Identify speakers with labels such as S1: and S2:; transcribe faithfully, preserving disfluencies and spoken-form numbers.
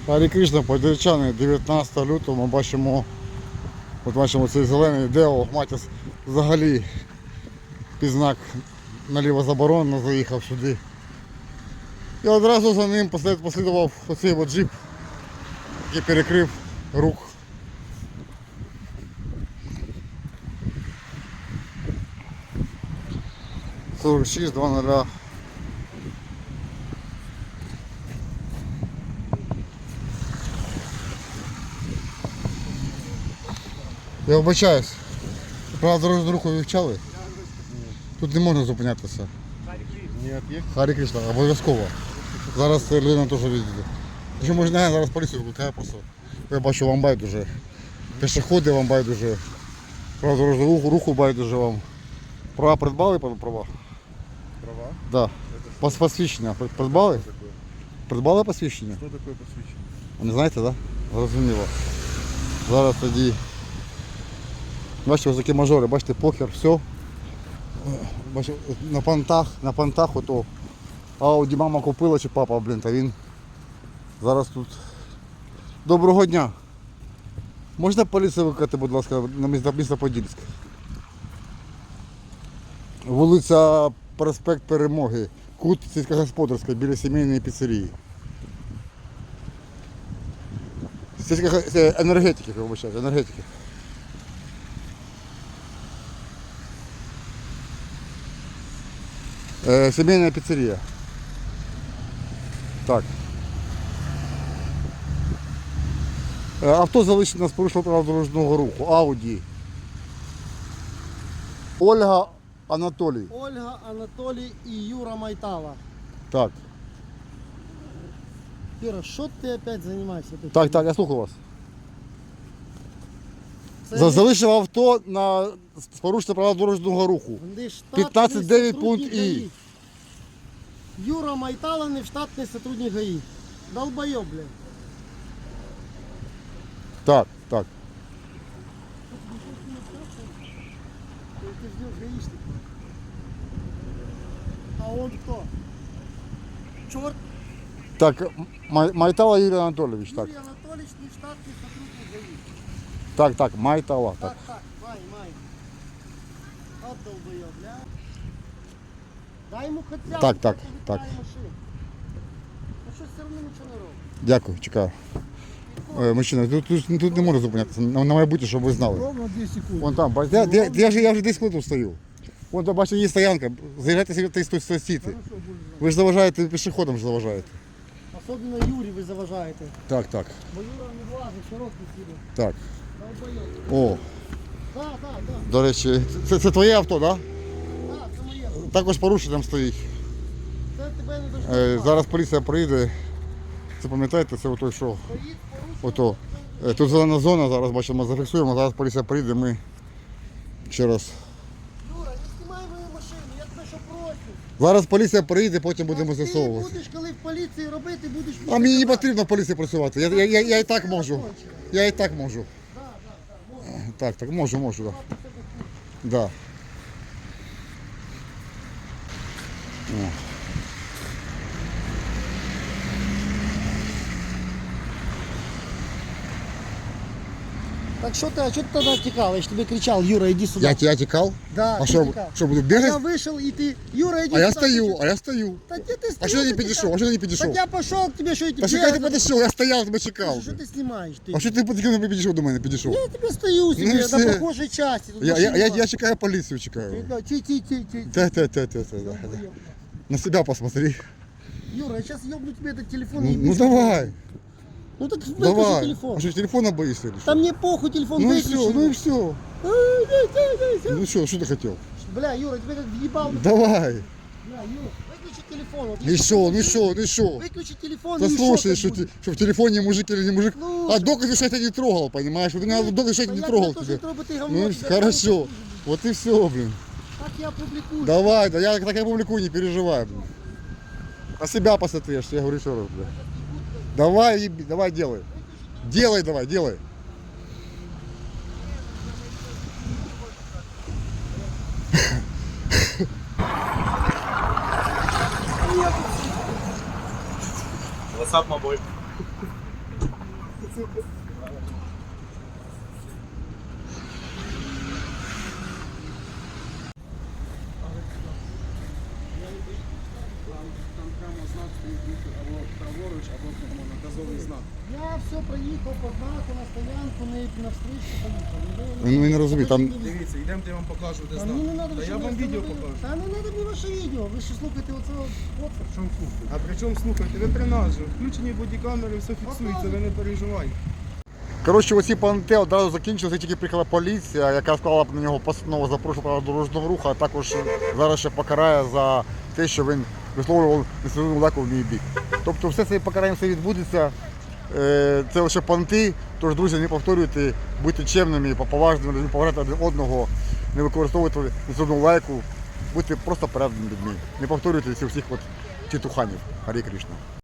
S1: Гарі Кришна, подільчани, дев'ятнадцятого лютого ми бачимо, от бачимо цей зелений Део Матіс взагалі під знак наліво заборонено, заїхав сюди. І одразу за ним послідував оцей от джип, який перекрив рух. сорок шість два нуль. Я вибачаюсь, правда дорожню руху вивчали? Тут не можна зупинятися. Харі Кришна, обов'язково. Зараз людина теж відійде. Якщо можна, зараз поліцію викликає просто. Я бачу, вам байдуже. Пішоходи вам байдуже. Правда дорожню руху, руху байдуже вам. Права придбали права?
S2: Права?
S1: Да. Пос посвідчення придбали? Придбали посвідчення?
S2: Що таке посвідчення?
S1: Не знаєте, так? Да? Зрозуміло. Зараз тоді. Бачите, ось такі мажори, бачите, покер, все. Бачите, на понтах, на понтах ото Ауді мама купила чи папа, блін, та він зараз тут. Доброго дня. Можна поліцію викликати, будь ласка, на місто Подільськ? Вулиця Проспект Перемоги, кут сільськогосподарська, біля сімейної піцерії. Сільсько... Енергетики, вибачайте, енергетики. Е, сімейна піцерія. Так. Е, авто залишено з порушенням правил дорожнього руху. Ауді. Ольга Анатолій.
S3: Ольга, Анатолій і Юра Майтала.
S1: Так.
S3: Юра, що ти опять займаєшся? Ти
S1: Так, так, я слухаю вас.
S3: Це
S1: За- Залишив авто на з порушенням правил дорожнього руху.
S3: не штатний
S1: п'ятнадцять дев'ять
S3: сотрудник
S1: пункт І.
S3: ГАІ. Юра Майтала не штатний сотрудник ГАИ. Долбоёб, блядь.
S1: Так, так.
S3: Ты ждешь гаишник. А он кто? Черт,
S1: Так, Май- Майтала Юрій Анатолійович, так.
S3: Юрий Анатольевич не штатный сотрудник ГАИ.
S1: Так, так, Майтала, так.
S3: Так, так, май, май. От долбоёб, бля. Дай ему хотя бы.
S1: Так, так,
S3: хотя бы
S1: так.
S3: дай машину. Ну что, все равно ничего не робить.
S1: Дякую, чекаю. Е, Мужчина, тут, тут, тут не можна зупинятися. На, на майбутнє, щоб ви знали.
S3: Ровно две секунды.
S1: Вон там, бачите, я, я, я, вже, я вже десь тут стою. Вон там, бачите, є стоянка. Заїжджайте собі та й стойте.
S3: Хорошо, будет.
S1: Ви ж заважаєте, пішоходам ж заважаєте.
S3: Особенно Юрі ви заважаєте.
S1: Так, так,
S3: Бо Юра не влазить, широкий сіде.
S1: так.
S3: Долбойоб.
S1: О,
S3: Так, так, так.
S1: до речі, це, це твоє авто, так? Да?
S3: Так, це моє.
S1: Також порушенням стоїть.
S3: Це тебе не
S1: Е,
S3: доштовхати.
S1: зараз поліція приїде. Це пам'ятаєте, це ото що?
S3: Стоїть порушення.
S1: Ото. Е, Тут зелена зона, зараз бачимо, зафіксуємо, зараз поліція приїде, ми ще раз.
S3: Юра, не знімай мою машину, я тебе що прошу.
S1: Зараз поліція приїде, потім будемо
S3: Ти
S1: з'ясовувати.
S3: будеш, коли в поліції робити, будеш...
S1: А мені не потрібно в поліції працювати. Я, я, я, я і так можу. Я і так можу. Так, так, можу, можу, так. Да. Да. О.
S3: Так що ти, а що ти тоді тікав? Я ж тобі кричав, Юра, іди сюди.
S1: Я, я тікав?
S3: Да,
S1: А
S3: ти
S1: що,
S3: тікав.
S1: що буду
S3: Я
S1: бігати?
S3: вийшов і ти, Юра, іди
S1: А я
S3: сюди.
S1: стою, а я стою.
S3: Та де ти
S1: А що ти не підійшов? А що ти не
S3: Так
S1: підійшов?
S3: я пішов к тебе, що я тебе...
S1: Та що ти підійшов? Я стояв, тебе чекав.
S3: Що ти знімаєш? Ти?
S1: А що ти потім не підійшов до мене? Підійшов?
S3: Я тебе стою себе
S1: Ну і
S3: на
S1: все.
S3: похожій часті. Тут
S1: Я, я,
S3: машин
S1: я,
S3: нема.
S1: я чекаю поліцію, чекаю.
S3: Ті, ті, ті, ті.
S1: Та, та, та, та, та, да, да. На себя посмотри.
S3: Юра, я сейчас ёбну тебе этот телефон.
S1: Ну,
S3: и
S1: ну
S3: ебись.
S1: давай,
S3: Ну так выключи
S1: давай.
S3: телефон.
S1: А что, телефона боишься или
S3: Да
S1: что?
S3: мне похуй, телефон
S1: Ну и
S3: выключи.
S1: все, ну и все.
S3: Ай, дай, дай, дай, дай.
S1: Ну что, что ты хотел?
S3: Бля, Юра, тебе как въебал.
S1: Давай.
S3: Бля, Юра, выключи телефон. Вот
S1: И
S3: я
S1: что, ну что, ну что?
S3: Выключи телефон.
S1: Да
S3: и
S1: слушай,
S3: шо
S1: что,
S3: так
S1: ты-
S3: будет?
S1: что в телефоне мужик или не мужик.
S3: Слушай.
S1: А доказы, что я тебя не трогал, понимаешь? Вот у меня доказы, что я
S3: Да
S1: тебя не
S3: я
S1: трогал
S3: тебя тоже
S1: тебя.
S3: не трогаю, ты говно,
S1: Ну и
S3: тебя
S1: хорошо.
S3: трогаю.
S1: Вот и все, блин.
S3: Так я публикую.
S1: Давай, да я так я публикую, не переживай, блин. На себя посмотри, что я говорю еще раз, блин. Давай, еби, давай, делай. Делай, давай, делай.
S2: WhatsApp мобиль. Там прямо знак стоїть або праворуч, або прямо наказовий знак.
S3: Я все проїхав по знаку на стоянку, на, на встречу поїхав.
S1: Він не розуміє, там
S2: Дивіться, йдемо, я вам покажу, де
S3: Та
S2: знак.
S3: мені не треба,
S2: Та я
S3: щоб ви
S2: вам відео
S3: встановили.
S2: покажу.
S3: Та не треба мені ваше відео. Ви що слухаєте оцього хлопця?
S2: В чому слухайте? А при чому слухайте? Ви при нас же. Включені бодікамери, все фіксується, ви не переживайте.
S1: Коротше, оці панте одразу закінчилися, тільки приїхала поліція, яка склала на нього постанову за порушення правил дорожнього руху, а також зараз ще покарає за те, що він висловлював несерйозну лайку в мій бік. Тобто все це покарання все відбудеться. Е, Це лише понти, тож, друзі, не повторюйте, будьте чемними, поважними, поважати один одного, не використовуйте несерйозну лайку, будьте просто порядними людьми. Не повторюйте цих всіх от тітуханів. Гарі Кришна.